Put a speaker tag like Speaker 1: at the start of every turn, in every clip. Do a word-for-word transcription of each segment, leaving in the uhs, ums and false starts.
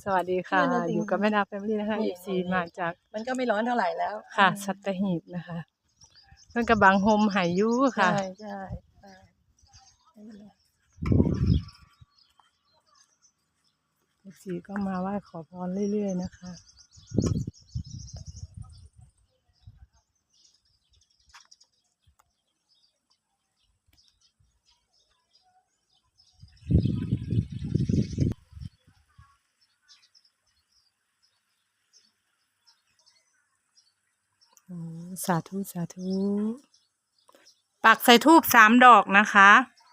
Speaker 1: สวัสดีค่ะอยู่กับแม่ดาแฟมิลี่นะคะ
Speaker 2: นี่
Speaker 1: เอฟซีมาจาก
Speaker 2: มันก็ไม่ร้อนเท่าไหร่แล้ว
Speaker 1: ค่ะสัตหีบนะคะเพิ่นกระบังโฮมหายยุค่ะ
Speaker 2: ใช่ใช่ใช่ไม่เป็นไร
Speaker 1: เอฟซีก็มาไหว้ขอพรเรื่อยๆนะคะโอ้สาธุสาธุปักใส่ธูปสามดอกนะคะ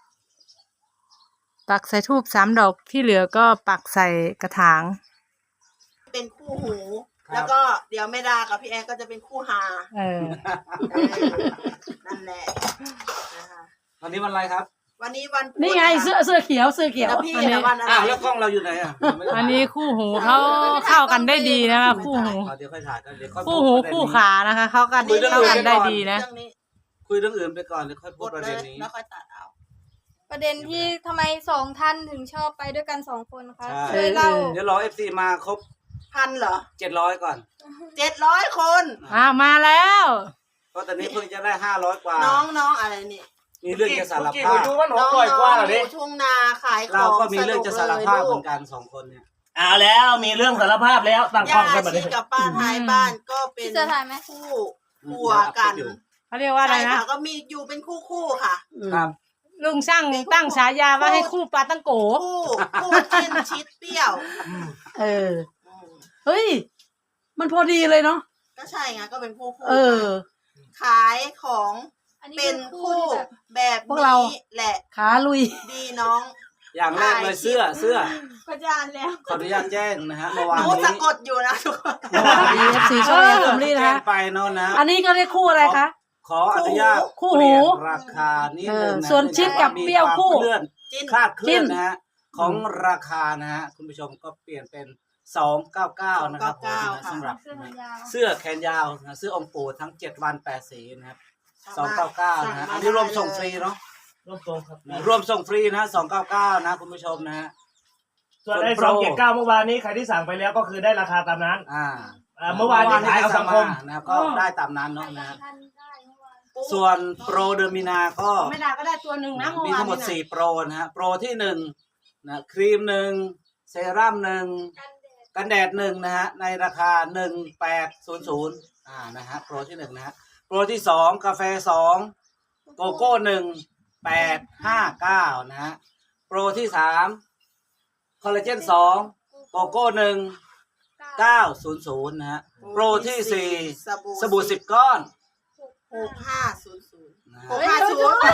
Speaker 1: ปักใส่ธูปสามดอกที่เหลือก็ปักใส่กระถาง
Speaker 3: เป็นคู่หู แล้วก็เดี๋ยวแม่ดากับพี่แอนก็จะเป็นคู่หา
Speaker 1: เออ
Speaker 3: เออนั่นแหละนะคะ
Speaker 4: วันนี้วันอะไรครับ
Speaker 3: วันนี้วันพุธ
Speaker 2: นี่ไงเสื้อเสื้อเขียวเสื้อเขียว
Speaker 3: แล้วพี่
Speaker 1: อันนี้
Speaker 3: อะวันอะไร
Speaker 4: อ้าวแล้วกล้องเราอยู่ไหนอ่ะ
Speaker 1: อันนี้คู่หูเขาเข้ากันได้ดีนะคะคู่หู
Speaker 4: เดี๋ยวค่อยถ่ายกันเดี๋ยวค่อย
Speaker 1: คู่หูคู่ขานะคะเขากันเข้ากันได้ดีนะ
Speaker 3: เรื่องนี้
Speaker 4: คุยเรื่องอื่นไปก่อนเดี๋ยวค่อย
Speaker 3: ก
Speaker 4: พูด
Speaker 3: ด
Speaker 4: ประ
Speaker 3: เล
Speaker 4: เด็น
Speaker 3: ย
Speaker 4: นี้
Speaker 3: แล้วค่อยตัดเอา
Speaker 5: ประเด็นที่ทำไมสองท่านถึงชอบไปด้วยกันสองคนคะ
Speaker 4: ใช่
Speaker 5: ช่วยเล่า
Speaker 4: เดี๋ยวรอเอฟซีมาครบ
Speaker 3: พันเหรอ
Speaker 4: เจ็ดร้อยก่อน
Speaker 3: เจ็ดร้อยคน
Speaker 1: อ่ามาแล้ว
Speaker 4: เพราะตอนนี้เพิ่งจะได้ห้าร้อยกว่า
Speaker 3: น้องน้องอะไรนี่
Speaker 4: มีเรื่องจะสาร
Speaker 6: กี่
Speaker 4: ภา
Speaker 6: คน
Speaker 4: พ
Speaker 6: ดูว่าหนู
Speaker 3: น้อง
Speaker 6: ปล่อยกว้างเหรอ
Speaker 3: อ
Speaker 6: ดิ
Speaker 3: ยู่ทุ่งนาขายของ
Speaker 4: เราก็มีเรื่องจะสารภาพเหมือน
Speaker 3: น
Speaker 4: กันสองคนเนี่ย
Speaker 6: เอาแล้วมีเรื่องสารภาพแล้วตั้งกล้
Speaker 3: ย่า
Speaker 6: องกันมาดิ
Speaker 3: ชีกับป้าท้ายบ้านก็เป็น
Speaker 5: พี่เสื้อถ่ายไหม
Speaker 3: คู่ผัวกัน
Speaker 1: เขาเรียกว่าอะไร
Speaker 3: ใช่
Speaker 1: นะ
Speaker 3: ค่ะก็มีอยู่เป็นคู่คู่ๆค่ะ
Speaker 4: ครับ
Speaker 1: ลุงช่างตั้งฉายาว่าให้คู่ปลาตั้งโก
Speaker 3: คู่คู่จิ้นชิดเปรี้ยว
Speaker 2: เออ
Speaker 3: อืม
Speaker 2: เฮ้ย มันพอดีเลยเนาะ
Speaker 3: ก็ใช่ไงก็เป็นคู่คู่
Speaker 2: เออ
Speaker 3: ขายของ
Speaker 5: อันนี้
Speaker 3: เป็
Speaker 5: เป็น น
Speaker 3: คู่
Speaker 5: คู่ที่แบบ
Speaker 3: แบบ
Speaker 2: พวกเรา
Speaker 3: นี้แหละ
Speaker 2: ขาลุย
Speaker 3: ดีน้อง
Speaker 4: อย่างแรกเลยเสื้อเสื้อ
Speaker 5: ประจานแล้ว
Speaker 4: ขออนุญาตแจ้งนะฮะเมื่อ
Speaker 3: ห
Speaker 4: วาน
Speaker 3: นู
Speaker 4: นี้
Speaker 3: สะกดอยู่นะทุกคน
Speaker 2: เมื่อวานนี้เอฟซีช่องแอนแฟมิลี่นะ
Speaker 4: แจ้ง
Speaker 2: คะ
Speaker 4: ไปเนาะนะ
Speaker 2: อันนี้ก็ได้คู่อะไรคะ
Speaker 4: ขออนุญาต
Speaker 2: คู่
Speaker 4: เป
Speaker 2: หู
Speaker 4: ลี่ยนราคานิดนึง
Speaker 2: เออ
Speaker 4: นะ
Speaker 2: ส่วนชิดกับเปรี้ยวคู่
Speaker 4: มีวามเคลื่อน
Speaker 3: จิ้น
Speaker 4: คลาดเคลื่อน
Speaker 2: จิ้น
Speaker 4: นะฮะของราคานะฮะคุณผู้ชมก็เปลี่ยนเป็นสองเก้าเก้านะครับผมนะสำหรับ
Speaker 5: เสื้อแขนยาว
Speaker 4: เสื้อแขนยาวนะเสื้อองค์ปู่ทั้งเจ็ดวันแปดสีนะครับสองเก้าเก้านะฮะอันนี้รวมส่งฟรีเนาะ
Speaker 6: ร่วมตรงครับ
Speaker 4: รวมส่งฟรีนะสองเก้าเก้านะคุณผู้ชมนะฮะ
Speaker 6: ส่วนไอ้
Speaker 4: ส่
Speaker 6: ส
Speaker 4: ว
Speaker 6: อน ง
Speaker 4: โปร
Speaker 6: เจ็ดเก้าเมื่อวานนี้ใครที่สั่งไปแล้วก็คือได้ราคาตามนั้น
Speaker 4: อ่า
Speaker 6: อ่าเมื่อวานนี้ขายเอาสังคม
Speaker 4: นะครับก็ได้ตามนั้นเนาะนะฮะ
Speaker 5: ท่านได้เมื่อวาน
Speaker 4: ส่วนโปรเดอร์มินาก็
Speaker 2: ไม่ได้ก็ได้ตัวหนึ่งนะ
Speaker 4: มีทั้งหมดสี่โปรนะฮะโปรที่หนึ่งนะครีมหนึ่งเซรั่มหนึ่งกันแดดหนึ่งนะฮะในราคาหนึ่งแปดศูนย์ศูนย์อ่านะฮะโปรที่หนึ่งนะฮะโปรที่สองกาแฟสองโกโก้หนึ่งแปดห้าเก้านะฮะโปรที่สามคอลลาเจนสองโกโก้หนึ่งเก้าศูนย์ศูนย์นะฮะโปรที่สี่สบู่สิบก้อน
Speaker 3: หกห้าศูนย์ศูนย์
Speaker 4: นะ
Speaker 3: ห
Speaker 4: ฮะ
Speaker 3: กห้าศูนย์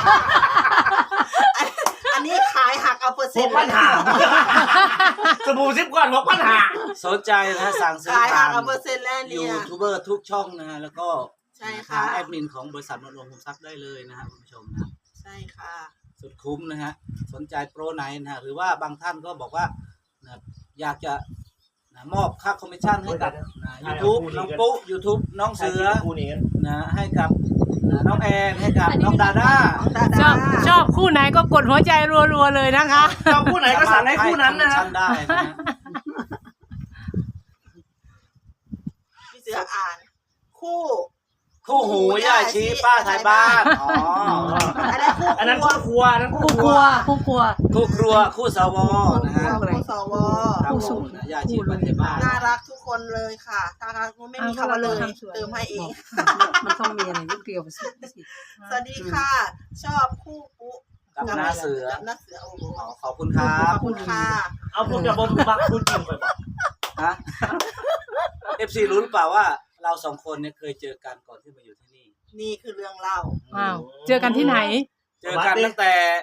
Speaker 3: อันนี้ขายหักเอาเปอร์
Speaker 6: ห
Speaker 3: เซ็น
Speaker 6: ก
Speaker 3: ต์
Speaker 6: ปัญหาสบู่ซิปก่อนหกปัญหา
Speaker 4: สนใจนะฮะสั่งซื้อ
Speaker 3: ขายหั
Speaker 4: ทาก ง
Speaker 3: เอาเปอร์เซ็นต์แล้ว
Speaker 4: ยู
Speaker 3: เนี่ย
Speaker 4: ทูบเบอร์ทุกช่องนะฮะแล้วก็
Speaker 3: ใช่
Speaker 4: ทา
Speaker 3: ค่ะ
Speaker 4: งแอดมินของบริษัทนนท์รวมทรัพย์ได้เลยนะฮะคุณผู้ชมนะ
Speaker 3: ใช่ค่ะ
Speaker 4: สุดคุ้มนะฮะสนใจโปรไหนนะฮะหรือว่าบางท่านก็บอกว่านะอยากจะนะมอบค่าคอมมิชชั่นให้กับนะยูทูบน้องปุ๊ยูทูบน้องเสือ
Speaker 6: คู่นี้กัน
Speaker 4: นะให้กับนะน้องแอนให้กับน้องดาด้า
Speaker 3: ดา
Speaker 1: ช
Speaker 3: ดา
Speaker 1: อบชอบคู่ไหนก็กดหัวใจรัวๆเลยนะคะ
Speaker 6: ชอบคู่ไหนก็สั่งให้คู่นั้นนะครับ
Speaker 4: สามารถให้คอมมิชชั่นได้นะฮะ
Speaker 3: พี่เสืออ่าน คู่
Speaker 4: คู่หูย่าชี้ป้าไทยบ้านอ๋อ
Speaker 3: อันนั้นคู่
Speaker 6: อันนั้นคู่ครัวอันนั้นคู่
Speaker 2: คู่
Speaker 6: ค
Speaker 2: ค
Speaker 6: รั
Speaker 2: รั
Speaker 6: ว
Speaker 2: วคู่ครัว
Speaker 4: คู่ครัวคู่สวนะฮะ
Speaker 3: คู่สว
Speaker 4: ครับผมนะย่าชี้ป้าไทยบ้าน
Speaker 3: น่ารักทุกคนเลยค่ะถ้าไม่มีคำว่าเลยเติมให้เอง
Speaker 2: มันต้องมีอะไรนิดเดียวสิ
Speaker 3: สวัสดีค่ะ ชอบคู่ปุ๊
Speaker 4: กับหน้าเสือ
Speaker 3: กับหน้าเสือโอ้โห
Speaker 4: อ๋อขอบคุณครั
Speaker 3: ข
Speaker 4: บ
Speaker 3: อบคุณค่ะ
Speaker 6: เอาพวกจะบ่มบักคู่จริงไปบอก
Speaker 4: ฮะ เอฟซีรู้หรือเปล่าว่าเราสองคนเนี่ยเคยเจอกันก่อนที่มาอยู่ที่นี่
Speaker 3: นี่คือเรื่องเล่า
Speaker 1: อ้าวเจอกันที่ไหน
Speaker 4: เจอกันตั้งแต่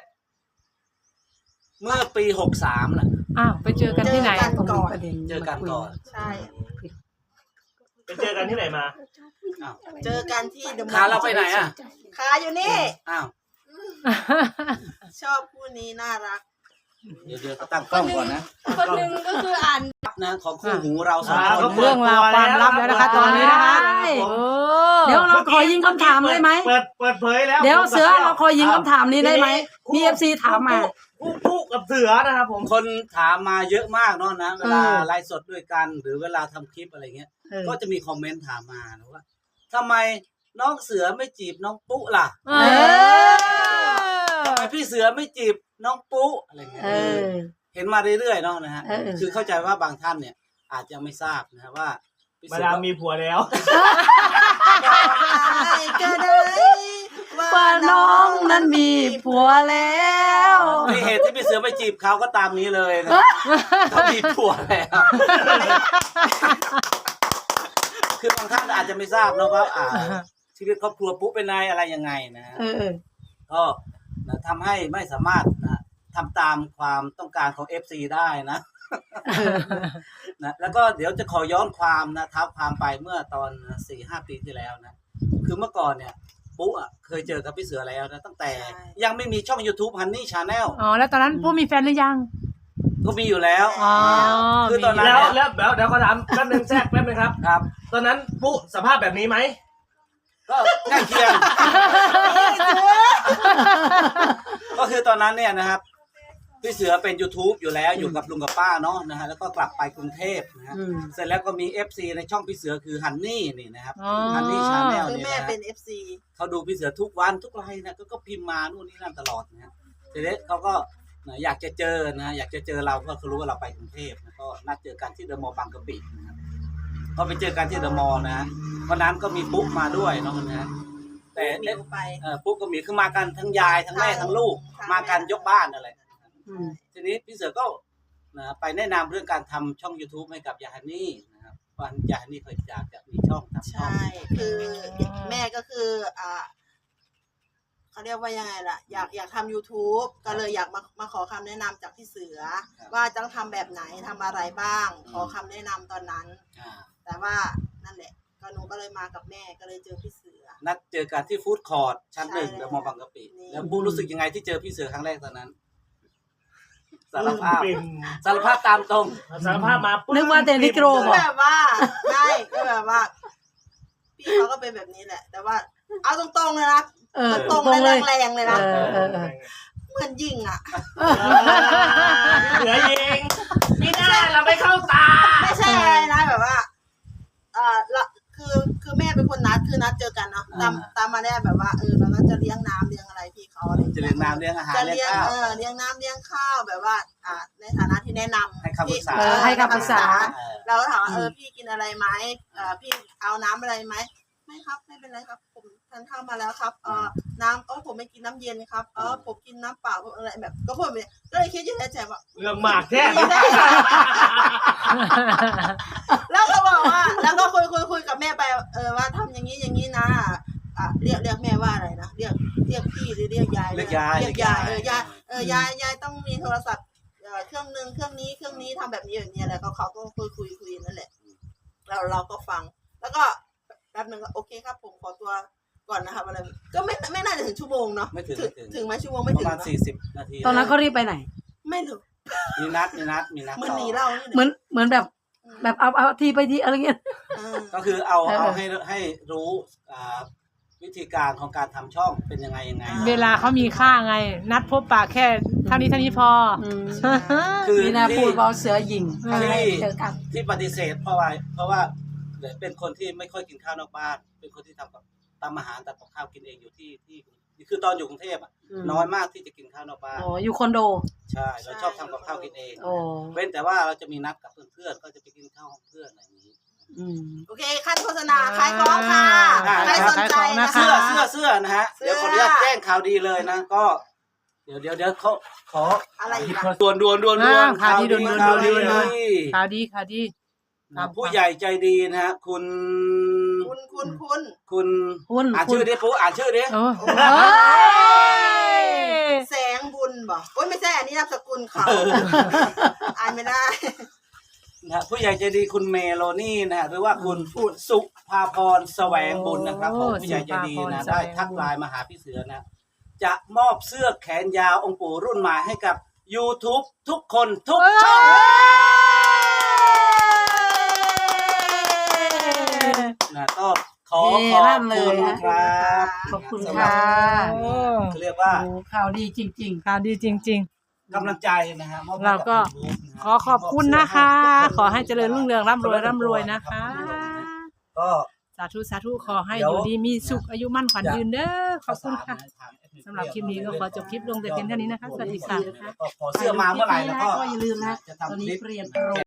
Speaker 4: เมื่อปีหกสามน่ะ
Speaker 1: อ้าวไปเจอกันที่ไหน
Speaker 3: เจอกันก่อน
Speaker 4: เจอกันก่อน
Speaker 3: ใช่
Speaker 6: ไปเจอกันที่ไหนมา
Speaker 4: อ้าว
Speaker 3: เจอกันที่เดอะมอลล์
Speaker 4: ขาเราไปไหนอ่ะ
Speaker 3: ขาอยู่นี่
Speaker 4: อ้าว
Speaker 3: ชอบคู่นี้น่ารัก
Speaker 4: เดี๋ยวเดี๋ยวก็ตั้งกล้องก่อนนะ
Speaker 5: คนหนึ่งก็คืออ่าน
Speaker 4: นะของคู่หูเราสอง
Speaker 6: อ่า
Speaker 4: คน
Speaker 6: ก็
Speaker 4: นะ
Speaker 6: ปิ
Speaker 1: เรื่
Speaker 6: ด
Speaker 1: องราวความลับแล้วนะคะตอนนี้นะคะ
Speaker 2: ใช่
Speaker 1: โอ้
Speaker 2: เดี๋ยวเราขอยิงคำถามได้ไหม
Speaker 6: เปิดเปิดเผยแล้ว
Speaker 2: เดี๋ยวเสือเราขอยิงคำถามนี้ได้ไหมมีเอฟซีถามมา
Speaker 6: คปุ๊ปุ๊กับเสือนะครับผม
Speaker 4: คนถามมาเยอะมากเนาะนะเวลา
Speaker 2: เออ
Speaker 4: ไลฟ์สดด้วยกัน หรือเวลาทำคลิปอะไรเงี้ย
Speaker 2: เออ
Speaker 4: ก็จะมีคอมเมนต์ถามมานะว่าทำไมน้องเสือไม่จีบน้องปุ๊ล่ะ
Speaker 1: เอ
Speaker 2: เอ
Speaker 1: อ
Speaker 4: ทำไมพี่เสือไม่จีบน้องปุ๊อะไรเงี้ย
Speaker 2: เออ
Speaker 4: เห็นมาเรื่อยๆเนาะนะฮะ
Speaker 2: เออ
Speaker 4: คือเข้าใจว่าบางท่านเนี่ย อาจจะไม่ทราบนะว่าพี่
Speaker 6: มา
Speaker 4: เสือ
Speaker 6: ดามมีผัวแล้ว
Speaker 3: ก็ได้ว่า
Speaker 2: ว่าน้องนั้นมีผัวแล้ว
Speaker 4: ที่เหตุที่พี่เสือไปจีบเขาก็ตามนี้เลยนะเขามีผัวแล้ว คือบางท่านอาจจะไม่ทราบเนาะว่าอ่าชีวิตครอบครัวปุ๊เป็นนายอะไรยังไงนะฮะ
Speaker 2: เออ
Speaker 4: ก็นะทำให้ไม่สามารถนะทำตามความต้องการของ เอฟ ซี ได้นะ นะแล้วก็เดี๋ยวจะขอย้อนความนะท้าความไปเมื่อตอนสี่ห้าปีที่แล้วนะคือเมื่อก่อนเนี่ยปุ๊อ่ะเคยเจอกับพี่เสือแล้วนะตั้งแต่ยังไม่มีช่อง YouTube Honey Channel
Speaker 1: อ๋อแล้วตอนนั้นผู้มีแฟนหรือยัง
Speaker 4: ก็มีอยู่แล้ว
Speaker 1: อ๋อ
Speaker 4: คือตอนนั้น
Speaker 6: แล้ว
Speaker 4: เนี่ย
Speaker 6: แล้วเดี๋ยวเดี๋ยวขอถามแป๊บนึงแทรกแป๊บนึงครับ
Speaker 4: ครับ
Speaker 6: ตอนนั้นปุ๊สภาพแบบนี้ไหม
Speaker 4: ก็ใกล้เคียง ก็คือตอนนั้นเนี่ยนะครับพี่เสือเป็น YouTube อยู่แล้วอยู่กับลุงกับป้าเนาะนะฮะแล้วก็กลับไปกรุงเทพนะฮะ
Speaker 2: อืม
Speaker 4: เสร็จแล้วก็มี เอฟ ซี ในช่องพี่เสือคือฮันนี่นี่นะครับ
Speaker 1: อ๋อ
Speaker 4: ฮันนี่ชาแนล
Speaker 3: คือ
Speaker 4: นี่
Speaker 3: แม่
Speaker 4: นะ
Speaker 3: เป็น
Speaker 4: ฮะ
Speaker 3: เอฟซี
Speaker 4: เขาดูพี่เสือทุกวันทุกไลน์นะก็ก็พิมพ์มานู่นนี่นั่นตลอดนะฮะเสร็จแล้วเขาก็นะอยากจะเจอนะอยากจะเจอเราเพราะเขารู้ว่าเราไปกรุงเทพนะก็นัดเจอกันที่เดอะมอลล์บางกะปินะครับก็ไปเจอกันที่เดอะมอลล์นะฮะวันนั้นก็มีปุ๊กมาด้วยเนาะนะฮะแต่
Speaker 3: หมิวไป
Speaker 4: เออปุ๊กก็มีคือมากันทั้งยายทั้งแม่ทั้งลูกมากันยกบ้านอะไร
Speaker 2: อืม
Speaker 4: ทีนี้พี่เสือก็นะไปแนะนำเรื่องการทำช่อง YouTube ให้กับยาฮันนี่นะครับว่ายาฮันนี่เคยอยากจะมีช่องทำช่อง
Speaker 3: ใช่ คือแม่ก็คืออ่าเขาเรียกว่ายังไงล่ะ อยากอยากทำ YouTube ก็เลยอยากมามาขอคำแนะนำจากพี่เสือ
Speaker 4: ครับ
Speaker 3: ว่าต้องทำแบบไหนทำอะไรบ้าง ขอคำแนะนำตอนนั้น
Speaker 4: อ่า
Speaker 3: แต่ว่านั่นแหละ ก็หนูก็เลยมากับแม่ก็เลยเจอพี่เสือ
Speaker 4: นัดเจอกันที่ฟู้ดคอร์ทชั้นหนึ่ง
Speaker 3: ใช่
Speaker 4: เดอะมอลล์บางกะปิ
Speaker 3: นี่
Speaker 4: แล้วบูรู้สึกยังไงที่เจอพี่เสือครั้งแรกตอนนั้น สารภาพ
Speaker 6: เป็น
Speaker 4: สารภาพตามตรง
Speaker 6: สารภาพมาปุ๊บ
Speaker 2: นึกว่าแต่นิโกร
Speaker 3: ก็แบบว่าใช่ก็แบบว่า พี่เขาก็เป็นแบบนี้แหละ แต่ว่า เอาตรงๆเลยนะ
Speaker 2: เออ
Speaker 3: ตรง
Speaker 2: ตรง
Speaker 3: ๆ
Speaker 2: เล
Speaker 3: เลย ยแรงๆเลยนะ
Speaker 2: เออเออเออ
Speaker 3: เหมือนยิงอ่ะ
Speaker 6: เหลือยิงไม่ได้เราไม่เข้าตา
Speaker 3: ไม่ใช่อะไรนะแบบว่าเอ่อละคือคือแม่เป็นคนนัดคือนัดเจอกันเนาะตาม
Speaker 4: อ่า
Speaker 3: ตามมาได้แบบว่าเออเราก็จะเลี้ยงน้ำเลี้ยงอะไรพี่เขาอะไร
Speaker 4: จะเลี้ยงน้ำเลี้ยงอาหาร
Speaker 3: จะ
Speaker 4: เลี้
Speaker 3: เลี้
Speaker 4: ย
Speaker 3: ย
Speaker 4: ง
Speaker 3: ง
Speaker 4: ข้าว
Speaker 3: เออเลี้ยงน้ำเลี้ยงข้าวแบบว่า อ่า ในฐานะที่แนะนำ
Speaker 4: ให้คำปรึกษา
Speaker 3: ที่
Speaker 2: เออให้คำปรึกษา
Speaker 4: เออ
Speaker 3: เราก็ถามว่าเออพี่กินอะไรไหมเออพี่เอาน้ำอะไรไหมไม่ครับไม่เป็นไรครับ ผมทานข้าวมาแล้วครับเออน้ำเออผมไม่กินน้ำเย็นครับเออผมกินน้ำเปล่าอะไรแบบ ก็พูดแบบนี้ก็เลยคิดอยู่ในใจว่า
Speaker 6: เรื่องหมากแท้
Speaker 3: แล้วก็บอกว่า แล้วก็คุยคุยคุยกับแม่ไปเออว่าทำอย่างนี้อย่างนี้นะอ่ะเรียกเรียกแม่ว่าอะไรนะเรียกเรียกพี่หรือเรียกยาย
Speaker 4: เรียกยาย
Speaker 3: เรียกยายเออยายเออยายยายต้องมีโทรศัพท์เอ่อเครื่องหนึ่งเครื่องนี้เครื่องนี้ทำแบบนี้แบบนี้อะไรก็เขาก็คุยคุยคุยนั่นแหละเราเราก็ฟัง แล้วก็แป๊บหนึ่งก็โอเคครับผมขอตัวก่อนนะครับอะไรก็ไม่ไม่น่าจะถึงชั่วโมงเนาะ
Speaker 4: ไม่ถึง
Speaker 3: ถึง
Speaker 4: ไม่ถึง
Speaker 3: ถึงไหมชั่วโมงไม่
Speaker 4: ป
Speaker 3: ถึ
Speaker 4: ระ
Speaker 3: ง
Speaker 4: มาณ
Speaker 3: เนอะ
Speaker 4: สี่สิบนาที
Speaker 2: ตอนนั้นเขารีบไปไหน
Speaker 3: ไม่รู้
Speaker 4: มีนัดมีนัดมีนัด
Speaker 3: เหมือน
Speaker 4: ต่อ
Speaker 3: หนีเรานี่
Speaker 2: เหมือนเหมือนแบบ แบบเอาเอาทีไปทีอะไรเงี้ย
Speaker 3: เออ
Speaker 4: ก็คือเอา
Speaker 2: เออ
Speaker 4: เอาให้ให้รู้อ่าวิธีการของการทำช่องเป็นยังไงยังไง
Speaker 1: เวลาเขามีค่าไง นัดพบปะแค่เท่านี้เท่านี้พอ
Speaker 2: อืม
Speaker 4: คือ
Speaker 2: มีนา
Speaker 4: ที่
Speaker 2: พูดเบาเสือหญิง
Speaker 1: อืม
Speaker 2: ครั้งแรกเจอกัน
Speaker 4: ที่ปฏิเสธเพราะว่าเพราะว่าเป็นคนที่ไม่ค่อยกินข้าวนอกบ้าน เป็นคนที่ทำกับทำอาหารแต่กับข้าวกินเองอยู่ที่ที่คือตอนอยู่กรุงเทพอ่ะ
Speaker 2: อืม
Speaker 4: น้อยมากที่จะกินข้าวนอกบ้าน
Speaker 2: อ๋ออยู่คอนโด
Speaker 4: ใช่เราชอบทำกับข้าวกินเอง
Speaker 2: อ๋อ
Speaker 4: เว้นแต่ว่าเราจะมีนัดกับเพื่อนๆก็จะไปกินข้าวห้องเพื่อนอะไรอย่างนี้
Speaker 2: อืม
Speaker 3: โอเคขั้นโฆษณาขายของค่ะ
Speaker 4: อ่า
Speaker 3: ใครสนใจนะ
Speaker 1: ขายของนะคะ
Speaker 3: คะ
Speaker 4: เสื้อเสื้อเสื้อนะฮะ
Speaker 3: เสื้อ
Speaker 4: เดี๋ยวขออนุญาตแจ้งข่าวดีเลยนะก็ เดี๋ยวเดี๋ยวเดี๋ยวเขาขอ
Speaker 3: อะไรอีกอะ
Speaker 4: ด่วนด่วนด่วนด่วน
Speaker 1: อ่าข่าวดีด่วนด่วน
Speaker 4: ข่าวดี
Speaker 1: ด่วนด่วน
Speaker 4: ข่าวดี
Speaker 1: ข่าวดีข่าวดี
Speaker 4: นะผู้ใหญ่ใจดีนะฮะคุณ
Speaker 3: คุณคุณคุณ
Speaker 4: คุณ
Speaker 2: คุณ
Speaker 4: อ่าน
Speaker 2: คุ
Speaker 4: ชื่
Speaker 2: ณ
Speaker 4: อดิปุ๊อ่านชื่อดิ
Speaker 1: โอ้
Speaker 2: เอ้ย
Speaker 3: แสงบุญบอกโอ้ยไม่ใช่อันนี้นามสกุลเขาอ่านไม่ได้
Speaker 4: นะฮะผู้ใหญ่ใจดีคุณเมโลนี่นะฮะหรือว่าคุณสุภาพรแสวงบุญนะครับผมผู้ใหญ่ใจดีนะได้ทักไลน์มาหาพี่เสือนะ จะมอบเสื้อแขนยาวองค์ปู่รุ่นใหม่ให้กับ YouTube ทุกคนทุกช่องนะก็ขอขอบคุณครับ
Speaker 2: ขอบคุณ
Speaker 4: สำหรั
Speaker 2: ค่ะ
Speaker 1: โอ้
Speaker 4: เขาเรียกว่า
Speaker 2: โอ้ข่าวดีจริง
Speaker 1: ข่าวดีจริง
Speaker 2: ๆ
Speaker 4: กำลังใจนะฮะมอบให้
Speaker 1: เราก็
Speaker 4: บ YouTube นะฮะ
Speaker 1: ขอขอบคุณนะคะ ขอให้เจริญรุ่งเรืองร่ำรวยร่ำรวยนะคะ
Speaker 4: ก็
Speaker 1: สาธุสาธุขอให้
Speaker 4: เดี๋
Speaker 1: อ
Speaker 4: ยว
Speaker 1: ยู่ดีมีสุขอายุมั่นขวัญยืนเด้อขอบคุณค่ะ
Speaker 4: ทาง
Speaker 1: สำหรับคลิปนี้ก็ขอจบคลิปลงแต่เพียงเท่านี้นะคะสวัสดีค่ะ
Speaker 4: แล้วก็พอเสื้อมาเมื่อไหร่แล้วก็
Speaker 2: ก็อย่าลืมนะ
Speaker 4: จะ
Speaker 2: ตอน
Speaker 4: ทำค
Speaker 2: นี้
Speaker 4: ลิป
Speaker 2: เปลี่ยนโปร